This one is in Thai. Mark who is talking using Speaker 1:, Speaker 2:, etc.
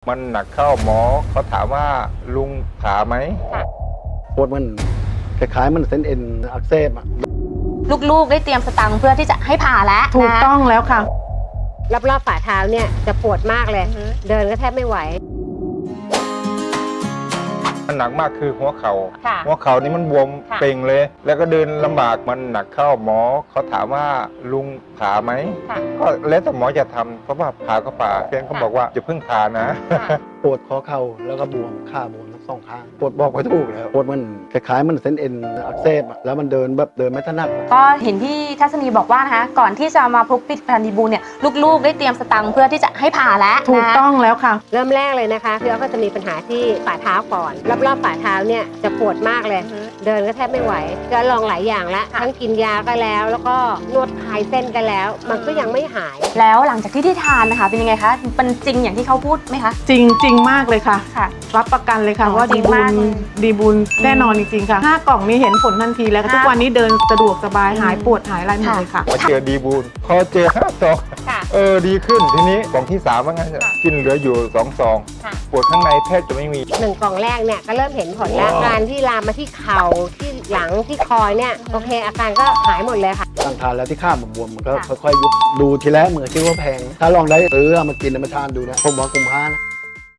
Speaker 1: มันหนักเข้าหมอเขาถามว่าลุงผ่าไหม
Speaker 2: ปวดมันคล้ายๆมันเส้นเอ็นอักเสบอ่ะ
Speaker 3: ลูกๆได้เตรียมสตังค์เพื่อที่จะให้ผ่าแล้ว
Speaker 4: ถูกต้องแล้วค่ะ
Speaker 5: รอบฝ่าเท้าเนี่ยจะปวดมากเลย เดินก็แทบไม่ไหว
Speaker 1: มันหนักมากคือหัวเข่านี่มันบวมเป่งเลย แล้วก็เดินลำบากมันหนักเข้าหมอเขาถามว่าลุงผ่าไหมก็แล้วแต่หมอจะทำเพราะว่าผ่าก็ผ่าเพียงเขาบอกว่าจะเพิ่งผ่านะ
Speaker 2: ปวดข้อเข่าแล้วก็บวมขาบวมทั้งสองข้างปวดบอกไม่ถูกแล้วปวดมันคล้ายๆมันเส้นเอ็นอักเสบอ่ะแล้วมันเดินไม่ถนัด
Speaker 3: ก็เห็นพี่ทัศนีบอกว่านะคะก่อนที่จะมาพบผลิตภัณฑ์ดีบูลเนี่ยลูกๆได้เตรียมสตังค์เพื่อที่จะให้ผ่าแล้ว
Speaker 4: ถูกต้องแล้วค่ะ
Speaker 5: เริ่มแรกเลยนะคะพี่อ้อก็จะมีปัญหาที่ฝ่าเท้าก่อนรอบฝ่าเท้าเนี่ยจะปวดมากเลย เดินก็แทบไม่ไหวก็ลองหลายอย่างแล้วทั้งกินยาก็แล้วก็นวดคลายเส้นกันแล้วมันก็ยังไม่หาย
Speaker 3: แล้วหลังจากที่ทานนะคะเป็นยังไงคะเป็นจริงอย่างที่เขาพูดไหมคะ
Speaker 4: จริงมากเลยค่ะรับประกันเลยค่ะว่าดีบุญแน่นอนจริงๆค่ะ5 กล่องนี้เห็นผลทันทีแล้วทุกวันนี้เดินสะดวกสบายหายปวดหายอะไรหมดเลยค่ะ
Speaker 1: พอเจอดีบูลพอเจอ5 ซองดีขึ้นทีนี้กล่องที่3ว่างั้นกินเหลืออยู่2 ซองปวดข้างในแทบจะไม่มี
Speaker 5: 1 กล่องแรกเนี่ยก็เริ่มเห็นผลแล้วการที่ลามมาที่เข่าที่หลังที่คอเนี่ยโอเคอาการก็หายหมดเลยค่ะ
Speaker 2: ตั้งทานแล้วที่ข้ามบวมมันก็ค่อยๆยุบดูทีแรกเหมือนคิดว่าแพงถ้าลองได้มากินมาทานดูนะผมว่าคุ้มค่านะ